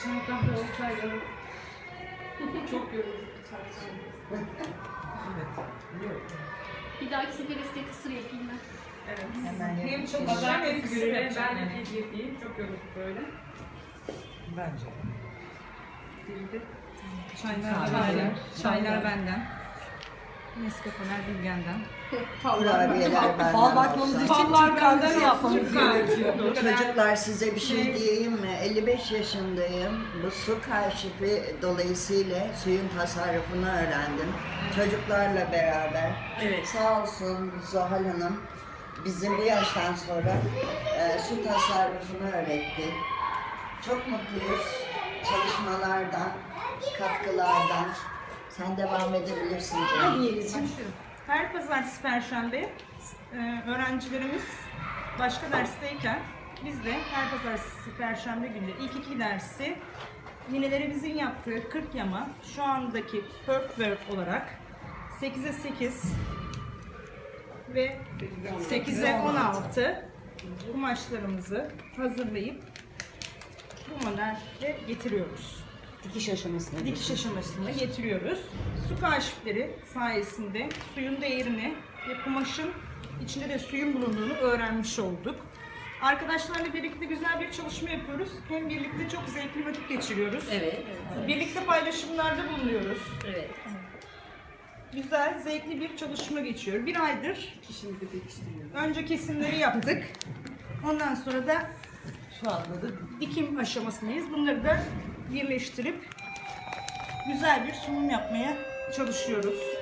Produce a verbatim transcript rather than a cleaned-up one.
Çantamda olsaydı çok yorulduk. Bir dahaki sefer size kısır yapayım ben. Evet. Hemen Hem yapayım. çok Pazartesi güzel hem günü kısır yapacağım ben yani. hediye edeyim. Çok yorulduk böyle. Bence. Dilde. Çaylar, çaylar, çaylar benden. Nescafeler Bilgen'den. Kurabiyeler benden Fal bakmamız olsa. için Türk kahvesi yapmamız gerekiyor. Çocuklar size bir şey diyeyim mi? elli beş yaşındayım. Bu su kaşifi dolayısıyla suyun tasarrufunu öğrendim. Çocuklarla beraber. Evet. Sağ olsun Zuhal Hanım bizim bu yaştan sonra e, su tasarrufunu öğretti. Çok mutluyuz çalışmalardan, katkılardan. Sen devam edebilirsin canım. Başlıyorum. Her pazartesi, perşembe e, öğrencilerimiz başka dersteyken biz de her pazartesi, perşembe günü ilk iki dersi ninelerimizin yaptığı kırk yama şu andaki perk work olarak sekize sekiz ve sekize on altı kumaşlarımızı hazırlayıp bu modelle getiriyoruz. Dikiş aşamasına. Dikiş aşamasına getiriyoruz. Su kaşifleri sayesinde suyun değerini ve kumaşın içinde de suyun bulunduğunu öğrenmiş olduk. Arkadaşlarla birlikte güzel bir çalışma yapıyoruz. Hem birlikte çok zevkli vakit geçiriyoruz. Evet. Birlikte paylaşımlarda bulunuyoruz. Evet. Güzel, zevkli bir çalışma geçiyor. Bir aydır Kişimizi pekiştiriyoruz. önce kesimleri yaptık. Ondan sonra da Şu anda da dikim aşamasındayız. Bunları da birleştirip güzel bir sunum yapmaya çalışıyoruz.